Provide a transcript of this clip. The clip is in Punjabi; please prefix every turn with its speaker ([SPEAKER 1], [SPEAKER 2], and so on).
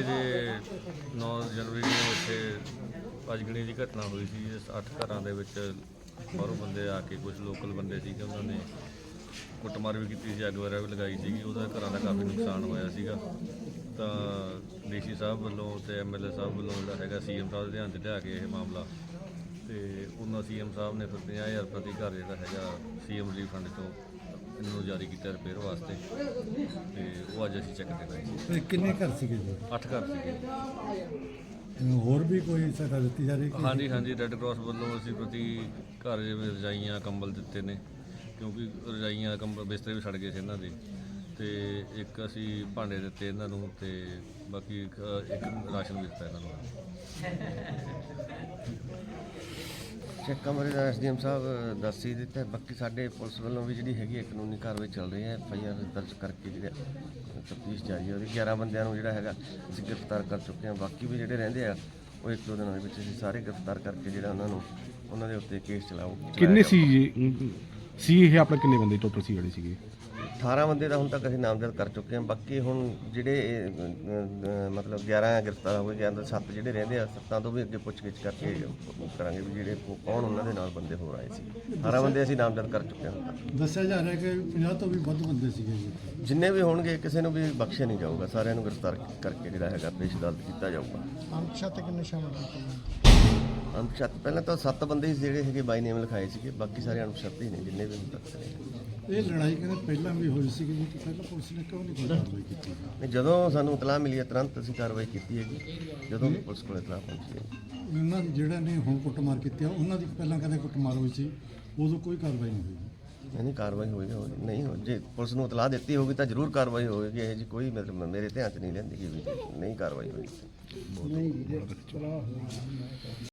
[SPEAKER 1] ਦੇ 9 ਜਨਵਰੀ ਨੂੰ ਇੱਥੇ ਭਜਗਣੀ ਦੀ ਘਟਨਾ ਹੋਈ ਸੀ। ਇਸ 8 ਘਰਾਂ ਦੇ ਵਿੱਚ ਬਾਹਰੋਂ ਬੰਦੇ ਆ ਕੇ, ਕੁਝ ਲੋਕਲ ਬੰਦੇ ਸੀਗੇ, ਉਹਨਾਂ ਨੇ ਕੁੱਟਮਾਰ ਵੀ ਕੀਤੀ ਸੀ, ਅੱਗ ਵਗੈਰਾ ਵੀ ਲਗਾਈ ਸੀਗੀ। ਉਹਦਾ ਘਰਾਂ ਦਾ ਕਾਫੀ ਨੁਕਸਾਨ ਹੋਇਆ ਸੀਗਾ। ਤਾਂ ਡੀਸੀ ਸਾਹਿਬ ਵੱਲੋਂ ਤੇ ਐਮਐਲਏ ਸਾਹਿਬ ਵੱਲੋਂ ਜਿਹੜਾ ਹੈਗਾ ਸੀਐਮ ਸਾਹਿਬ ਦੇ ਧਿਆਨ 'ਚ ਲਿਆ ਕੇ ਇਹ ਮਾਮਲਾ, ਤੇ ਉਹਨਾਂ ਸੀਐਮ ਸਾਹਿਬ ਨੇ ਫਿਰ 50,000 ਪ੍ਰਤੀ ਘਰ ਜਿਹੜਾ ਹੈਗਾ ਸੀਐਮ ਰਿਲੀਫ ਫੰਡ ਤੋਂ ਇਹਨਾਂ ਨੂੰ ਜਾਰੀ ਕੀਤਾ ਰਿਪੇਅਰ ਵਾਸਤੇ। ਤੇ ਉਹ ਅੱਜ ਅਸੀਂ ਚੈੱਕ ਤੇ ਗਏ।
[SPEAKER 2] ਕਿੰਨੇ ਘਰ ਸੀਗੇ ਜੀ?
[SPEAKER 1] 8 ਘਰ ਸੀਗੇ।
[SPEAKER 2] ਹੋਰ ਵੀ ਕੋਈ ਸਹਾਇਤਾ ਦਿੱਤੀ ਜਾ ਰਹੀ ਹੈ?
[SPEAKER 1] ਹਾਂਜੀ, ਰੈੱਡ ਕਰਾਸ ਵੱਲੋਂ ਅਸੀਂ ਪ੍ਰਤੀ ਘਰ ਜਿਵੇਂ ਰਜਾਈਆਂ, ਕੰਬਲ ਦਿੱਤੇ ਨੇ, ਕਿਉਂਕਿ ਰਜਾਈਆਂ, ਕੰਬਲ, ਬਿਸਤਰੇ ਵੀ ਸੜ ਗਏ ਸੀ ਇਹਨਾਂ ਦੇ। ਤੇ ਇੱਕ ਅਸੀਂ ਭਾਂਡੇ ਦਿੱਤੇ ਇਹਨਾਂ ਨੂੰ, ਤੇ ਬਾਕੀ ਇੱਕ ਰਾਸ਼ਨ ਵੀ ਦਿੱਤਾ ਇਹਨਾਂ ਨੂੰ।
[SPEAKER 3] ਚੈੱਕਾਂ ਬਾਰੇ ਤਾਂ ਐਸਡੀਐਮ ਸਾਹਿਬ ਦੱਸ ਹੀ ਦਿੱਤਾ। ਬਾਕੀ ਸਾਡੇ ਪੁਲਿਸ ਵੱਲੋਂ ਵੀ ਜਿਹੜੀ ਹੈਗੀ ਹੈ ਕਾਨੂੰਨੀ ਕਾਰਵਾਈ ਚੱਲ ਰਹੀ ਹੈ। FIR ਦਰਜ ਕਰਕੇ ਜਿਹੜਾ ਤਫਤੀਸ਼ ਜਾਰੀ ਹੈ। ਉਹਦੀ 11 ਬੰਦਿਆਂ ਨੂੰ ਜਿਹੜਾ ਹੈਗਾ ਅਸੀਂ ਗ੍ਰਿਫਤਾਰ ਕਰ ਚੁੱਕੇ ਹਾਂ। ਬਾਕੀ ਵੀ ਜਿਹੜੇ ਰਹਿੰਦੇ ਆ ਉਹ 1-2 ਦਿਨਾਂ ਦੇ ਵਿੱਚ ਅਸੀਂ ਸਾਰੇ ਗ੍ਰਿਫਤਾਰ ਕਰਕੇ ਜਿਹੜਾ ਉਹਨਾਂ ਦੇ ਉੱਤੇ ਕੇਸ ਚਲਾਓ।
[SPEAKER 4] ਕਿੰਨੇ ਸੀ ਇਹ ਆਪਣਾ, ਕਿੰਨੇ ਬੰਦੇ ਟੋਟਲ ਸੀ ਜਿਹੜੇ ਸੀਗੇ?
[SPEAKER 3] 18 ਬੰਦੇ ਦਾ ਹੁਣ ਤੱਕ ਅਸੀਂ ਨਾਮਜ਼ਦ ਕਰ ਚੁੱਕੇ ਹਾਂ। ਬਾਕੀ ਹੁਣ ਜਿਹੜੇ ਮਤਲਬ 11 ਗ੍ਰਿਫਤਾਰ ਹੋ ਗਏ, 7 ਜਿਹੜੇ ਰਹਿੰਦੇ ਆ, 7 ਤੋਂ ਵੀ ਅੱਗੇ ਪੁੱਛਗਿੱਛ ਕਰਕੇ ਕਰਾਂਗੇ ਵੀ ਜਿਹੜੇ ਕੌਣ ਉਹਨਾਂ ਦੇ ਨਾਲ ਬੰਦੇ ਹੋਰ ਆਏ ਸੀ। 18 ਬੰਦੇ ਅਸੀਂ ਨਾਮਜ਼ਦ ਕਰ ਚੁੱਕੇ ਹਾਂ ਹੁਣ ਤੱਕ।
[SPEAKER 2] ਦੱਸਿਆ ਜਾ ਰਿਹਾ ਕਿ 50 ਤੋਂ ਵੀ ਵੱਧ ਬੰਦੇ ਸੀਗੇ ਜੀ।
[SPEAKER 3] ਜਿੰਨੇ ਵੀ ਹੋਣਗੇ ਕਿਸੇ ਨੂੰ ਵੀ ਬਖਸ਼ਿਆ ਨਹੀਂ ਜਾਊਗਾ। ਸਾਰਿਆਂ ਨੂੰ ਗ੍ਰਿਫਤਾਰ ਕਰਕੇ ਜਿਹੜਾ ਹੈਗਾ ਪੇਸ਼ ਅਦਾਲਤ ਕੀਤਾ ਜਾਊਗਾ।
[SPEAKER 2] ਅਣਪਛਾਤੇ ਕਿੰਨੇ ਸ਼ਾਮਲ ਕੀਤੇ?
[SPEAKER 3] ਅਣਪਛਾਤੇ ਪਹਿਲਾਂ ਤਾਂ 7 ਬੰਦੇ ਹੀ ਜਿਹੜੇ ਹੈਗੇ ਬਾਈ ਨੇਮ ਲਿਖਾਏ ਸੀਗੇ। ਬਾਕੀ ਸਾਰੇ ਅਣਪਛਾਤੇ ਹੀ ਨੇ ਜਿੰਨੇ ਵੀ ਹੁਣ ਤੱਕ ਨੇ।
[SPEAKER 2] ਇਹ ਲੜਾਈ ਕਹਿੰਦੇ ਪਹਿਲਾਂ ਵੀ ਹੋਈ ਸੀਗੀ ਜੀ, ਪਹਿਲਾਂ ਪੁਲਿਸ ਨੇ ਕਿਉਂ ਨਹੀਂ ਕੋਈ ਕਾਰਵਾਈ ਕੀਤੀ?
[SPEAKER 3] ਜਦੋਂ ਸਾਨੂੰ ਇਤਲਾਹ ਮਿਲੀ ਹੈ ਤੁਰੰਤ ਅਸੀਂ ਕਾਰਵਾਈ ਕੀਤੀ ਹੈਗੀ। ਜਦੋਂ ਵੀ ਪੁਲਿਸ ਕੋਲ ਇਤਲਾਹ ਪਹੁੰਚੀ ਹੈ।
[SPEAKER 2] ਉਹਨਾਂ ਦੀ ਜਿਹੜਾ ਨੇ ਹੁਣ ਕੁੱਟਮਾਰ ਕੀਤੀ ਆ, ਉਹਨਾਂ ਦੀ ਪਹਿਲਾਂ ਕਹਿੰਦੇ ਕੁੱਟਮਾਰ ਹੋਈ ਸੀ, ਉਦੋਂ ਕੋਈ ਕਾਰਵਾਈ ਨਹੀਂ ਹੋਈ।
[SPEAKER 3] ਨਹੀਂ ਕਾਰਵਾਈ ਹੋਏਗੀ, ਨਹੀਂ ਹੋ ਜੇ ਪੁਲਿਸ ਨੂੰ ਇਤਲਾਹ ਦਿੱਤੀ ਹੋਗੀ ਤਾਂ ਜ਼ਰੂਰ ਕਾਰਵਾਈ ਹੋਵੇਗੀ। ਇਹ ਜੀ ਕੋਈ ਮਤਲਬ ਮੇਰੇ ਧਿਆਨ 'ਚ ਨਹੀਂ ਲੈਂਦੀ ਕਿ ਵੀ ਨਹੀਂ ਕਾਰਵਾਈ ਹੋਈ।